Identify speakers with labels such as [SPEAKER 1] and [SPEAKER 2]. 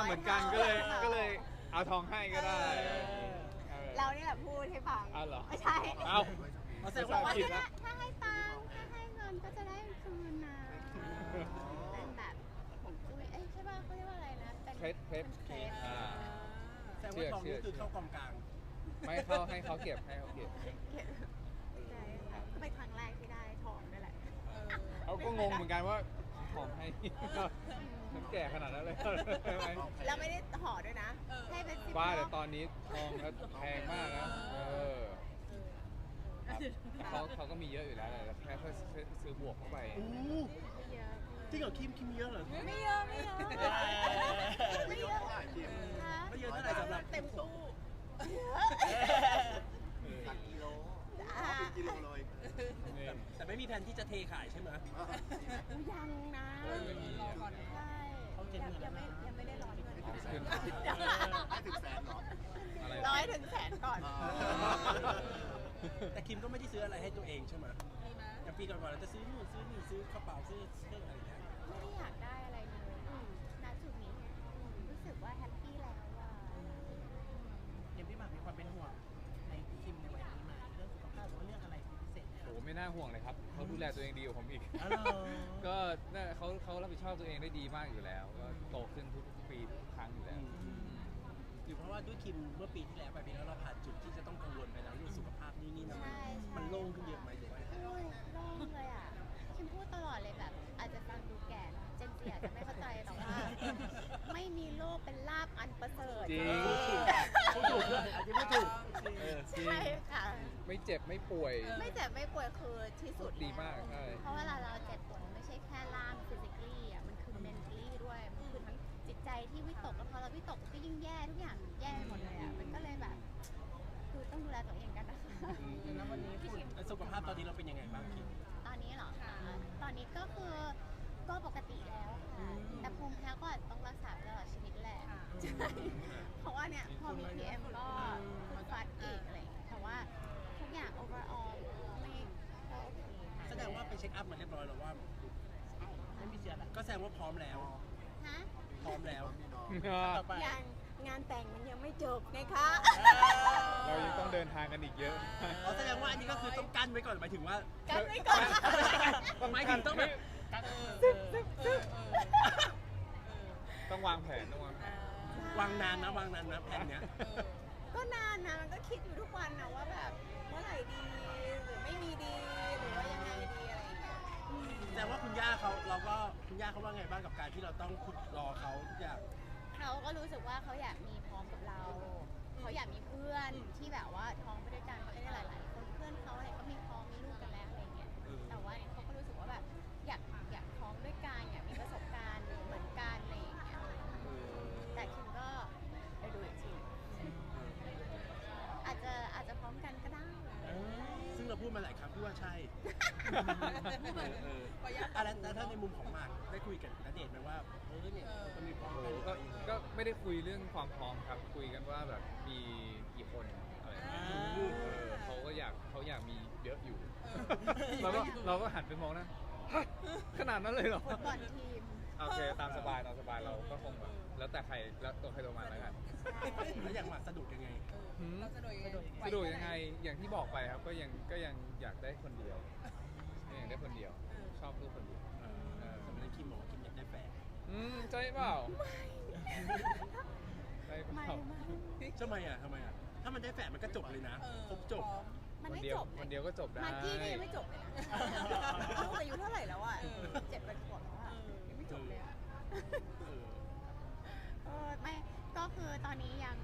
[SPEAKER 1] เหมือนกันก็เลยเอาทองให้ก็ได้
[SPEAKER 2] เรานี่แหละพูดให้ฟัง
[SPEAKER 1] อ้าวเหรอ
[SPEAKER 2] ไม่ใช่
[SPEAKER 1] เอ้า
[SPEAKER 3] แสดงว่า
[SPEAKER 1] ผิดละ
[SPEAKER 2] ถ้าให้ตังค์ถ้าให้เงินก็จะได้คืนนะเป็นแบบผมคุยใช่ป่ะเขาเรียกว่าอะไรนะเป็น
[SPEAKER 1] เคล็ด
[SPEAKER 2] เคล็ด
[SPEAKER 3] แสดงว่าทองนี้คือเข้ากองกลาง
[SPEAKER 1] ไม่เข้าให้เขาเก็บใช่
[SPEAKER 2] ค่ะก็เป็นครั้งแรกที่ได้ทองด้วยแหละ
[SPEAKER 1] เขาก็งงเหมือนกันว่าของให้มันแก่ขนาดนั้นเลยใช่ไหม
[SPEAKER 2] แล้วไม่ได้ห่อด้วยนะให้เป็นซิป
[SPEAKER 1] บ้าแต่
[SPEAKER 2] ล็อก
[SPEAKER 1] ตอนนี้ทองก็แพงมากนะครับเขาก็มีเยอะอยู่แล้วแต่แค่ซื้อบวกเข้าไป
[SPEAKER 2] ไม่เยอะ
[SPEAKER 3] จริงเหรอคิมเยอะเหรอ
[SPEAKER 2] ไม่เยอะไม่เยอะไม่เยอะ
[SPEAKER 3] ไม่เยอะเท่าไหร่สำหรับ
[SPEAKER 2] เต็มตู้
[SPEAKER 4] หลักกิโล
[SPEAKER 2] อ่า
[SPEAKER 4] เป็นกิโลเลย
[SPEAKER 3] แต่ไม่มีแผนที่จะเทขายใช่ไหม
[SPEAKER 2] ยังนะรอก่อนใช่ยังไม่ได้ร้อนเงิน
[SPEAKER 4] ให้ถึงแสนเหรอ
[SPEAKER 1] อะไร
[SPEAKER 2] ร้อยถึงแสนก่อน
[SPEAKER 3] แต่คิมก็ไม่ได้ซื้ออะไรให้ตัวเองใช่ไหมอย่างปีก่อนๆเราจะซื้อนู่นซื้อนี่ซื้อกระเป๋าซื้อเครื่องอะไรอย่างเงี้ย
[SPEAKER 2] ไม่ได้อยากได้อะไรเลยณจุดนี้รู้สึกว่าแฮปปี้แล้วอ่ะ
[SPEAKER 5] ยังพี่หมากมีความเป็นห่วงในคิมในวัยนี้ไหมเรื่องสุขภาพหรือว่าเรื่องอะไรเป็นพิเศษไหมค
[SPEAKER 1] โอ้
[SPEAKER 5] รับ
[SPEAKER 1] ไม่น่าห่วงเลยครับเขาดูแลตัวเองดีกว่าผมอีก
[SPEAKER 5] อ๋อเหรอ
[SPEAKER 1] ก็น่าเขารับผิดชอบตัวเองได้ดีมากอยู่แล้วก็โตขึ้นทุกปีทุกครั้งอยู่แล้ว
[SPEAKER 3] หรือเพราะว่าด้วยคิมเมื่อปีที่แล้วไปปีแล้วเราผ่านจุดที่จะต้องกังวลไปแล้วเรื่องสุขภาพนี่นะมันโล่งขึ้นเยอะไหมหรือว่า
[SPEAKER 2] โล่งเลยอ่ะคิมพูดตลอดเลยแบบอาจจะฟังดูแก่เนอะเจนซีอาจจะไม่เข้าใจแต่ว่าไม่มีโลกเป็นลาบอันประเสริฐ
[SPEAKER 1] จริง
[SPEAKER 3] พูดถูกด้วยอาจจะไม่ถูก
[SPEAKER 1] จริง
[SPEAKER 2] ใช่ค่ะ
[SPEAKER 1] ไม่เจ็บไม่ป่วย
[SPEAKER 2] ไม่เจ็บไม่ป่วยคือที่สุด
[SPEAKER 1] ดีมากใช่
[SPEAKER 2] เพราะเวลาเราเจ็บปวดมันไม่ใช่แค่ร่าง physically อ่ะมันคือ mentally ด้วยมันคือทั้งจิตใจที่วิตกแล้วพอเราวิตกก็ยิ่งแย่ทุกอย่างแย่ไปหมดเลยอ่ะมันก็เลยแบบคือต้องดูแลตัวเองกันนะคะ
[SPEAKER 5] แล้ววันนี้ฝุ่น
[SPEAKER 3] แล้วสุขภาพตอนนี้เราเป็นยังไงบ้างคิม
[SPEAKER 2] ตอนนี้เหรอคะตอนนี้ก็คือก็ปกติแล้วค่ะ แต่ภูมิแพ้ก็อาจจะต้องรักษาตลอดชีวิตแหละใช่เพราะว่าเนี่ยพอมี PM ก็คือฟัดอีกอะไรอย่างเงี้ยแต่ว่าทุกอย่าง overall ไม่ก็โอเคค่ะ
[SPEAKER 3] แสดงว่าไปเช็คอัพมาเรียบร้อยแล้วว่า
[SPEAKER 5] ไม่มีเชื้ออะไร
[SPEAKER 3] ก็แสดงว่าพร้อมแล้ว
[SPEAKER 2] ฮะ
[SPEAKER 3] พร้อมแล้ว
[SPEAKER 4] มีน้อง
[SPEAKER 5] ต่อไป
[SPEAKER 2] ยังงานแต่งมันยังไม่จบไงคะ
[SPEAKER 1] เรายังต้องเดินทางกันอีกเยอะ
[SPEAKER 3] อ๋อแสดงว่าอันนี้ก็คือต้องกั้นไว้ก่อนหมายถึงว่า
[SPEAKER 2] กันไว้ก่อน
[SPEAKER 3] หมายถึงต้องแบบ
[SPEAKER 1] ต้องวางแผน
[SPEAKER 3] วางนานนะแผนเนี้ย
[SPEAKER 2] ก็นานนะมันก็คิดอยู่ทุกวันนะว่าแบบเมื่อไหร่ดีหรือไม่มีดีหรือว่ายังไงดีอะไรอย่างเงี้ย
[SPEAKER 3] แต่ว่าคุณย่าเขาว่าไงบ้างกับการที่เราต้องขุดรอเขาทุกอย่าง
[SPEAKER 2] เขาก็รู้สึกว่าเขาอยากมีพร้อมกับเรา เขาอยากมีเพื่อนที่แบบว่าท้องไปด้วยกันเพราะได้หลายๆคนเพื่อนเขาอะไรก็มีท้องมีลูกกันแล้วอะไรเงี้ย แต่ว่าเนี่ยเขาก็รู้สึกว่าแบบอยากท้องด้วยกันอยากมีประสบการณ์เหมือนกันอะไรอย่างเงี้ย แต่คิมก็ไปดูอีกทีอาจจะพร้อมกันก็ได้
[SPEAKER 3] ซึ่งเราพูดมาหลายครั้งพี่ว่าใช่อะไรแล้วถ้าในมุมของหมากได้คุยกับณเดชน์ไหมว่าเนี่ยเราจะมีพร้อม
[SPEAKER 1] โอ้โห
[SPEAKER 3] กัน
[SPEAKER 1] ก็ไม่ได้คุยเรื่องความพร้อมครับ คุยกันว่าแบบมีกี่คนอะไรเขาอยากมีเยอะอยู่ เราก็หันไปมองนะฮะขนาดนั้นเลยเหรอ
[SPEAKER 2] ฟุตบอลทีม
[SPEAKER 1] โอเคตามสบายเราก็คงแบบแล้วแต่ใครแล้วตัวใครตัวมันแล้วกัน
[SPEAKER 3] แล้วอย่างหมากสะดุดยังไง
[SPEAKER 1] หืม
[SPEAKER 6] เราสะดวกยังไง
[SPEAKER 1] สะดวกยังไงอย่างที่บอกไปครับก็ยังอยากได้คนเดียวอยากได้คนเดียว ชอบลูกคนเดียว
[SPEAKER 3] สมัยนั้นคิมบอกว่าคิมอยากได้แฟน
[SPEAKER 1] ใจเปล่าใจเป
[SPEAKER 2] ไม่
[SPEAKER 1] ล่า
[SPEAKER 2] ไม่
[SPEAKER 3] ทำไมอ่ะถ้ามันได้แฟนมันก็จบเลยนะครบจบ
[SPEAKER 2] มัน
[SPEAKER 1] วัน
[SPEAKER 2] ไม่
[SPEAKER 1] เดียว
[SPEAKER 2] จบ
[SPEAKER 1] วันเดียวก็จบได้
[SPEAKER 2] มากกี้ก็ยังไม่จบเลยนะลูกอายุเท่าไหร่แล้วอ่ะ7 ขวบแล้วอ่ะยังไม่จบเลยอ่ะไม่ก็คือตอนนี้ยัง